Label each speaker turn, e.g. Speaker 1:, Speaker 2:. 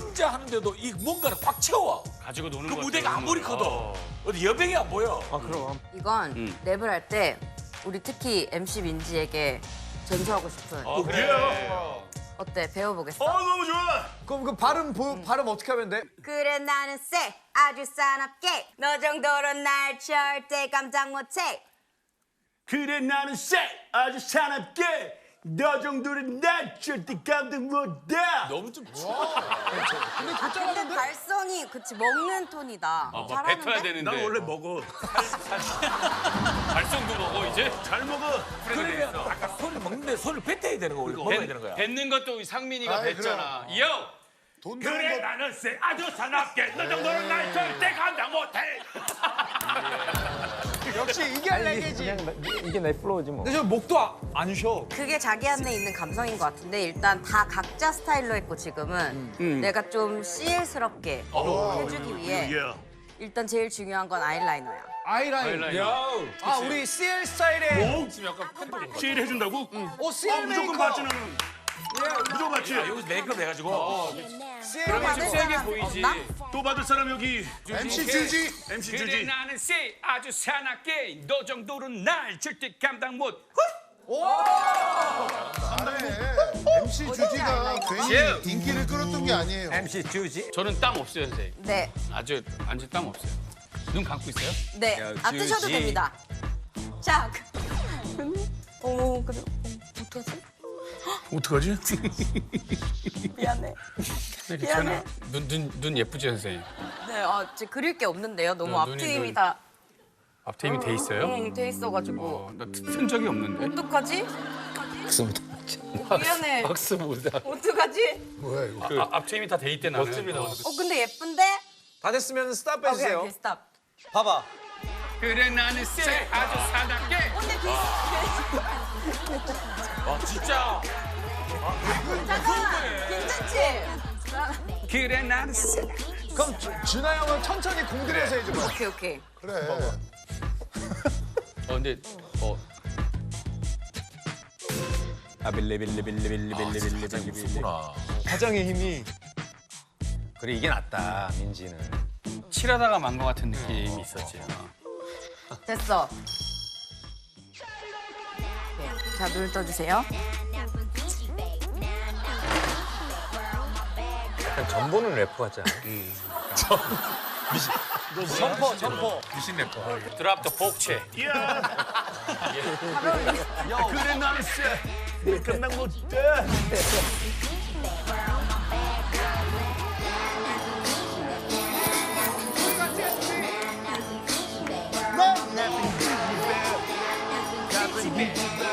Speaker 1: 혼자 하는데도 이 뭔가를 꽉 채워.
Speaker 2: 가지고 노는
Speaker 1: 그
Speaker 2: 것
Speaker 1: 무대가
Speaker 2: 같아요,
Speaker 1: 아무리
Speaker 2: 오늘.
Speaker 1: 커도 어디 여백이 안 보여.
Speaker 3: 이건 랩을 할 때 우리 특히 MC 민지에게 전수하고 싶은
Speaker 2: 그래요.
Speaker 3: 어때? 배워보겠어?
Speaker 2: 너무 좋아.
Speaker 4: 그럼 그 발음 어떻게 하면 돼?
Speaker 3: 그래 나는 쎄 아주 사납게 너 정도로 날 절대 깜짝 못해
Speaker 2: 그래 나는 쎄 아주 사납게 너 정도는 난 절대 감당 못해.
Speaker 1: 너무 좀
Speaker 3: 근데 발성이 그치 먹는 톤이다 잘하는데?
Speaker 5: 뱉어야 되는데.
Speaker 2: 난 원래 먹어.
Speaker 5: 발성도 먹어 이제.
Speaker 2: 잘 먹어.
Speaker 1: 그러면 아까 소리 먹는데 소리를 뱉어야 되는 거 우리 먹어야 되는 거야.
Speaker 5: 뱉는 것도 상민이가
Speaker 6: 아이,
Speaker 5: 뱉잖아. 요.
Speaker 6: 돈
Speaker 2: 그래
Speaker 6: 되는 거
Speaker 2: 나는 쎄 아주 사납게 너 정도는 난 절대 감당 못해.
Speaker 4: 역시 이게 할래게지.
Speaker 7: 이게 내 플로우지 뭐.
Speaker 4: 근데 저 목도 안 쉬어.
Speaker 3: 그게 자기 안에 있는 감성인 것 같은데 일단 다 각자 스타일로 했고 지금은 내가 좀 CL스럽게 해주기 위해
Speaker 2: 예.
Speaker 3: 일단 제일 중요한 건 아이라이너야
Speaker 4: 아이라인. 아 우리 CL 스타일의
Speaker 2: 시일 해준다고?
Speaker 4: CL
Speaker 2: 무조건
Speaker 4: 메이커.
Speaker 2: 받지 나는. 무조건 받지.
Speaker 1: 여기서 메이크업 해가지고
Speaker 4: CL
Speaker 3: 받을
Speaker 5: 세게
Speaker 3: 사람
Speaker 5: 보이지.
Speaker 3: 없나?
Speaker 2: 또 받을 사람 여기.
Speaker 6: MC 주지.
Speaker 2: MC
Speaker 5: 그래
Speaker 2: 주지.
Speaker 5: 나는 쎄 아주 사납게 너 정도는 날 절대 감당 못.
Speaker 6: MC 주지가 괜히 인기를 끌었던 게 아니에요.
Speaker 4: MC 주지.
Speaker 5: 저는 땀 없어요 선생님.
Speaker 3: 네,
Speaker 5: 아주 완전 땀 없어요. 눈 감고 있어요?
Speaker 3: 네. 안 뜨셔도 됩니다. 자, 어머, 그래. 어떡하지?
Speaker 2: 어떡하지?
Speaker 3: 미안해.
Speaker 5: 괜찮아. 눈 예쁘지 선생님?
Speaker 3: 네, 제 그릴 게 없는데요. 너무
Speaker 5: 눈이
Speaker 3: 앞트임이
Speaker 5: 눈-
Speaker 3: 다
Speaker 5: 앞트임이 돼 있어요?
Speaker 3: 돼 있어가지고.
Speaker 5: 나쓴 적이 없는데.
Speaker 3: 어떡하지? 미안해.
Speaker 5: 박스보다.
Speaker 3: 어떡하지?
Speaker 6: 뭐야 이거?
Speaker 5: 앞트임이 다 돼 있대 나는.
Speaker 3: 근데 예쁜데?
Speaker 4: 다 됐으면 스탑
Speaker 3: 오케이,
Speaker 4: 해주세요.
Speaker 3: 오케이, 스탑.
Speaker 4: 봐봐.
Speaker 5: 그래 나는 쎄 아주 사납게.
Speaker 3: 근데
Speaker 1: 진짜
Speaker 3: 잠깐만, 괜찮지?
Speaker 5: 그래 나는 쎄.
Speaker 4: 그럼 준하 형은 천천히 공들여서 해줘봐.
Speaker 3: 오케이, 오케이.
Speaker 6: 그래.
Speaker 5: 근데
Speaker 7: 아빌리빌리빌리빌리빌리빌리빌리빌리.
Speaker 4: 가장의 힘이.
Speaker 7: 그래 이게 낫다 민지는.
Speaker 5: 칠하다가 만 것 같은 느낌이 있었지.
Speaker 3: 됐어. 오케이. 자, 눈을 떠주세요.
Speaker 7: 약간 전보는 래퍼 같지 않아?
Speaker 4: 점퍼.
Speaker 5: 드랍 더 복채.
Speaker 2: 이야. 그래 나는 쎄 감당 못해.
Speaker 6: 넌